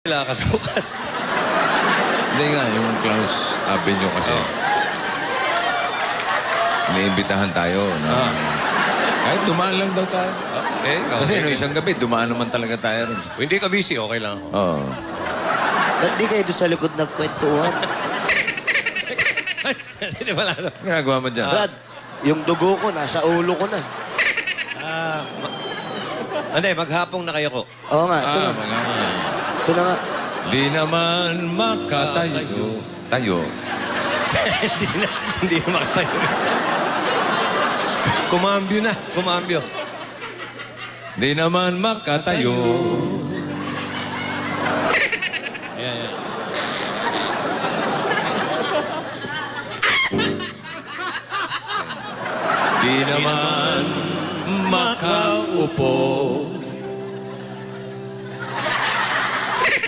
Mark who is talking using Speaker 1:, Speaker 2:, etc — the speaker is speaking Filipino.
Speaker 1: Lakad bukas.
Speaker 2: Hindi nga, yung Klaus Avenue kasi. Iniimbitahan tayo na kahit dumaan lang daw tayo.
Speaker 1: Okay.
Speaker 2: Kasi no, isang gabi, dumaan naman talaga tayo rin.
Speaker 1: Kung hindi ka busy, okay lang ako.
Speaker 2: Oo.
Speaker 3: Ba't di kayo doon sa likod nagkwentuhan?
Speaker 1: Hindi pala.
Speaker 2: Ginagawa mo dyan?
Speaker 3: Brad, yung dugo ko, nasa ulo ko na.
Speaker 1: Hindi, maghapong na kayo ko.
Speaker 3: Oo nga, ito na.
Speaker 2: Mga
Speaker 3: Ito na nga.
Speaker 2: di naman makatayo. Tayo.
Speaker 1: Hindi na makatayo. Kumambyo na. Kumambyo.
Speaker 2: Di naman makatayo.
Speaker 1: Yan.
Speaker 2: Di naman makaupo.